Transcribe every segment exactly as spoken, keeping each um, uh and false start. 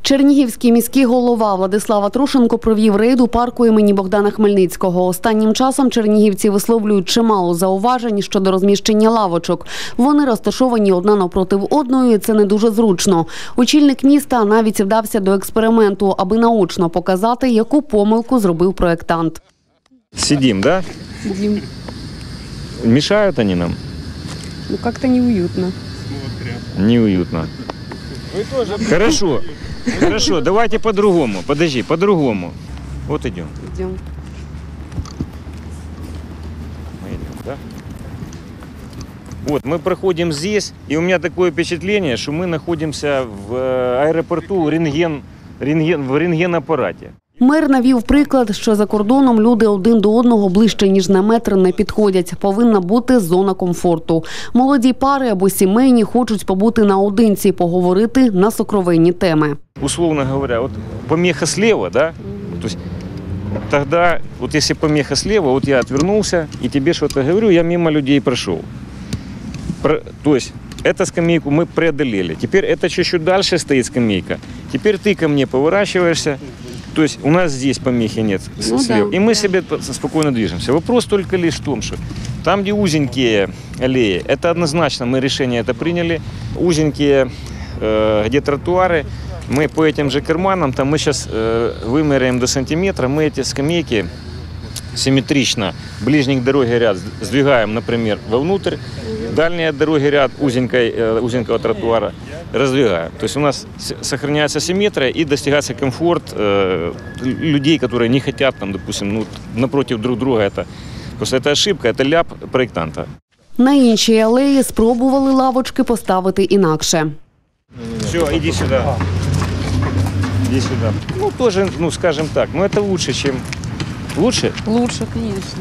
Чернігівський міський голова Владислав Трушенко провів рейд у парку імені Богдана Хмельницького. Останнім часом чернігівці висловлюють чимало зауважень щодо розміщення лавочок. Вони розташовані одна навпроти одної, і це не дуже зручно. Очільник міста навіть вдався до експерименту, аби наочно показати, яку помилку зробив проєктант. Сидим, да? Сидим. Мешают они нам? Ну, как-то неуютно. Неуютно. Хорошо. Хорошо, давайте по-другому. Подожди, по-другому. Вот идем. Идем. Мы идем, да? Вот, мы проходим здесь, и у меня такое впечатление, что мы находимся в аэропорту рентген, рентген, в рентген-аппарате. Мер навів приклад, що за кордоном люди один до одного ближче, ніж на метр не підходять. Повинна бути зона комфорту. Молоді пари або сімейні хочуть побути наодинці, поговорити на сокровенні теми. Условно говоря, вот помеха слева, да? То есть тогда, вот если помеха слева, вот я отвернулся и тебе что-то говорю, я мимо людей прошел. Про, то есть эту скамейку мы преодолели. Теперь это чуть-чуть дальше стоит скамейка. Теперь ты ко мне поворачиваешься. То есть у нас здесь помехи нет ну, слева. да. И мы себе спокойно движемся. Вопрос только лишь в том, что там, где узенькие аллеи, это однозначно, мы решение это приняли. Узенькие, э, где тротуары, мы по этим же карманам, там мы сейчас э, вымеряем до сантиметра, мы эти скамейки симметрично, ближний к дороге ряд сдвигаем, например, вовнутрь, дальний от дороги ряд узенькой, э, узенького тротуара раздвигаем. То есть у нас сохраняется симметрия и достигается комфорт э, людей, которые не хотят, там, допустим, ну, напротив друг друга. Это, просто это ошибка, это ляп проектанта. На іншій алеї спробували лавочки поставити інакше. Все, иди сюда. Иди сюда. Ну, тоже, ну, скажем так, но это лучше, чем... Лучше? Лучше, конечно.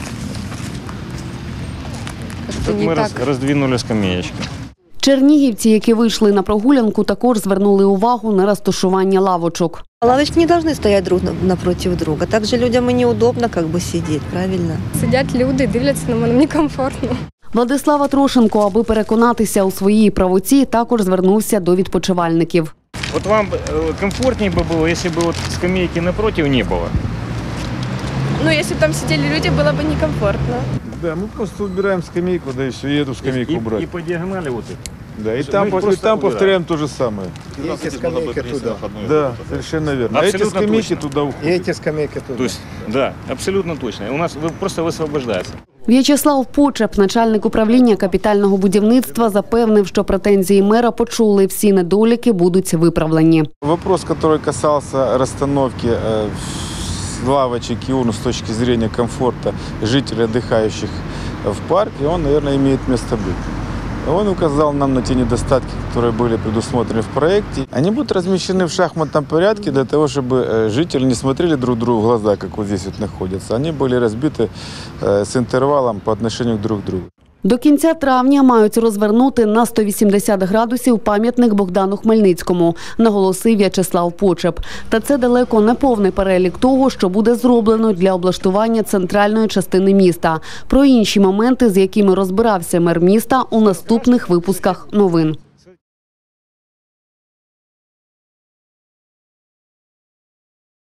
Тут мы раз, раздвинули скамеечки. Чернігівці, які вийшли на прогулянку, також звернули увагу на розташування лавочок. Лавочки не должны стоять друг напротив друга. Также людям и неудобно как бы сидеть, правильно? Сидять люди, дивляться на мене, мені комфортно. Владислав Трушенко, аби переконатися у своїй правоті, також звернувся до відпочивальників. Вот вам комфортнее бы было, если бы вот скамейки напротив не было? Ну, если бы там сидели люди, было бы некомфортно. Да, мы просто убираем скамейку, да и все, и эту скамейку и, убрать. И по диагонали вот их. Да, и там, и там повторяем то же самое. И эти скамейки туда. Да, совершенно верно. А эти скамейки туда уходят. И эти скамейки туда. То есть, да, абсолютно точно. У нас просто высвобождается. В'ячеслав Почеп, начальник управління капітального будівництва, запевнив, що претензії мера почули, всі недоліки будуть виправлені. Вопрос, который касался расстановки лавочек и урн с точки зрения комфорта жителей, отдыхающих в парке, он, наверное, имеет место быть. Он указал нам на те недостатки, которые были предусмотрены в проекте. Они будут размещены в шахматном порядке для того, чтобы жители не смотрели друг другу в глаза, как вот здесь вот находятся. Они были разбиты с интервалом по отношению друг к другу. До кінця травня мають розвернути на сто вісімдесят градусів пам'ятник Богдану Хмельницькому, наголосив В'ячеслав Почеп. Та це далеко не повний перелік того, що буде зроблено для облаштування центральної частини міста. Про інші моменти, з якими розбирався мер міста, у наступних випусках новин.